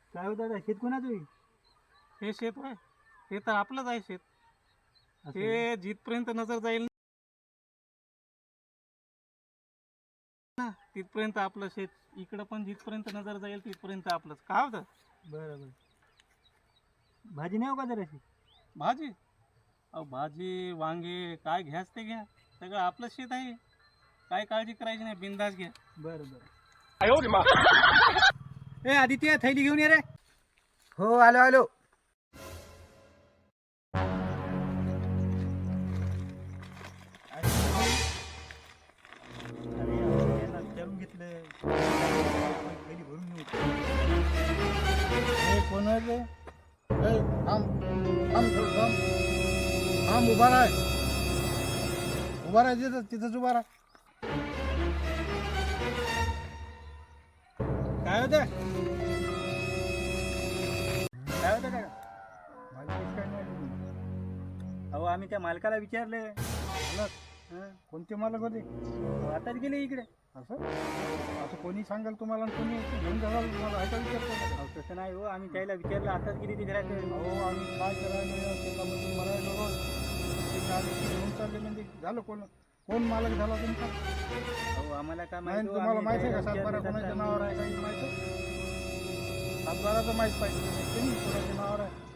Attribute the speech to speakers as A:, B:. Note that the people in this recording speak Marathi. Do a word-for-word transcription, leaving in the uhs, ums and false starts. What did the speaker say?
A: काय होतं दादा, शेत कोणाचं आहे?
B: हे शेत आहे, हे तर आपलंच आहे शेत.
A: असं आहे.
B: हे जिथपर्यंत नजर जाईल ना तिथपर्यंत आपलं शेत. इकडं पण जिथपर्यंत नजर जाईल तिथपर्यंत आपलंच. काय होतं?
A: बरं बरं. भाजी नाही हो का जराशी?
B: भाजी, अहो भाजी वांगे काय घ्याच ते घ्या, सगळं आपलं शेत आहे. काय काळजी करायची नाही, बिंदास घ्या.
A: बरं बरं. ए आदित्य, थैली घेऊन ये रे.
C: हो आलो आलो.
A: अरे अहो, यांना विचारून घेतलं. आपण थैली भरून नेऊ.
C: हे कोण आहे रे? ए, थांब थांब थोडं थांब. थांब उभा राह. उभा राह तिथं तिथंच उभा राह.
A: काय होतं? काय होतं का?
C: माझी केस काय नाही आली.
A: अहो आम्ही त्या मालकाला विचारले.
C: मालक?
A: हं,
C: कोणते मालक होते?
A: आताच गेले इकडे.
C: असं असं कोणी सांगाल तुम्हाला आणि कोणी घेऊन जाणार तुम्हाला ऐका विचारतो का?
A: अहो तसं नाही हो, आम्ही त्याला विचारलं आताच गेली ती घरात.
C: अहो आम्ही काय करायला या शेतामधून मरायला रोज ते आले की घेऊन चालले म्हणजे झालं. कोण कोण मालक झाला तुमचा?
A: अहो आम्हाला काय
C: नाही
A: माहिती हो,
C: तुम्हाला
A: आम्ही
C: माहिती आहे का
A: त्याला
C: सातबारा
A: विचारलं
C: कोणाच्या
A: तर
C: नावावर आहे काही माहिती आहे? सातबाराचं माहीत पाहिजे तुम्ही कोणाच्या नावावर आहे.